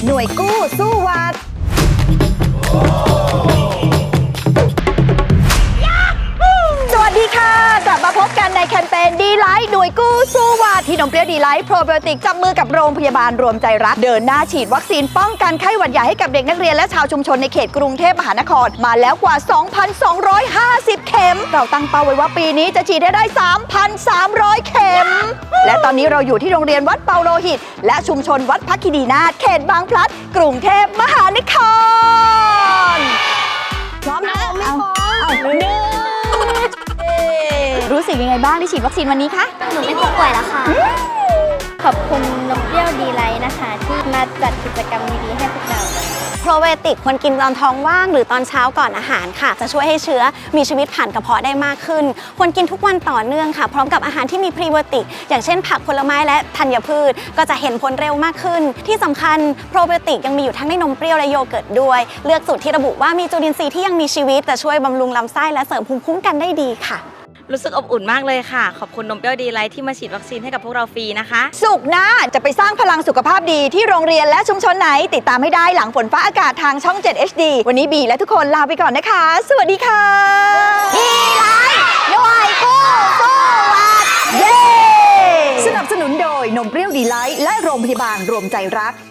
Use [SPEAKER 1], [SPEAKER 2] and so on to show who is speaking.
[SPEAKER 1] หน่วยกู้สู้หวัดสวัสดีค่ะกลับมาพบกันในแคมเปญดีไลท์หน่วยกู้สู้หวัดที่นมเปรี้ยวดีไลท์โปรไบโอติกจับมือกับโรงพยาบาลรวมใจรักเดินหน้าฉีดวัคซีนป้องกันไข้หวัดใหญ่ให้กับเด็กนักเรียนและชาวชุมชนในเขตกรุงเทพมหานครมาแล้วกว่า 2,250 เข็มเราตั้งเป้าไว้ว่าปีนี้จะฉีดให้ได้ 3,300 เข็มและตอนนี้เราอยู่ที่โรงเรียนวัดเปาโลหิตและชุมชนวัดพักคีรีนาถเขตบางพลัดกรุงเทพมหานครพร้อมนะไม่พร้อมรู้สึกยังไงบ้างที่ฉีดวัคซีนวันนี้คะ
[SPEAKER 2] หนูเป็นผู้ป่วยแล้วค่ะ ขอบคุณนมเปรี้ยวดีไลท์นะคะ ที่มาจัดกิจกรรมดีๆให้พวกเรา
[SPEAKER 3] โปรไบโอติกควรกินตอนท้องว่างหรือตอนเช้าก่อนอาหารค่ะจะช่วยให้เชื้อมีชีวิตผ่านกระเพาะได้มากขึ้นควรกินทุกวันต่อเนื่องค่ะพร้อมกับอาหารที่มีพรีไบโอติกอย่างเช่นผักผลไม้และธัญพืชก็จะเห็นผลเร็วมากขึ้นที่สำคัญโปรไบโอติกยังมีอยู่ทั้งในนมเปรี้ยวและโยเกิร์ตด้วยเลือกสูตรที่ระบุว่ามีจุลินทรีย์ที่ยังมีชีวิตจะช่วยบำรุงลำไส้และเสริมภูมิคุ้มกันได้ดีค่ะ
[SPEAKER 4] รู้สึกอบอุ่นมากเลยค่ะขอบคุณนมเปรี้ยวดีไลท์ที่มาฉีดวัคซีนให้กับพวกเราฟรีนะคะ
[SPEAKER 1] สุกร์หน้าจะไปสร้างพลังสุขภาพดีที่โรงเรียนและชุมชนไหนติดตามให้ได้หลังฝนฟ้าอากาศทางช่อง 7 HD วันนี้บีและทุกคนลาไปก่อนนะคะ สวัสดีค่ะดีไลท์หน่วยกู้สู้หวัดเย้สนับสนุนโดยนมเปรี้ยวดีไลท์และโรงพยาบาลรวมใจรัก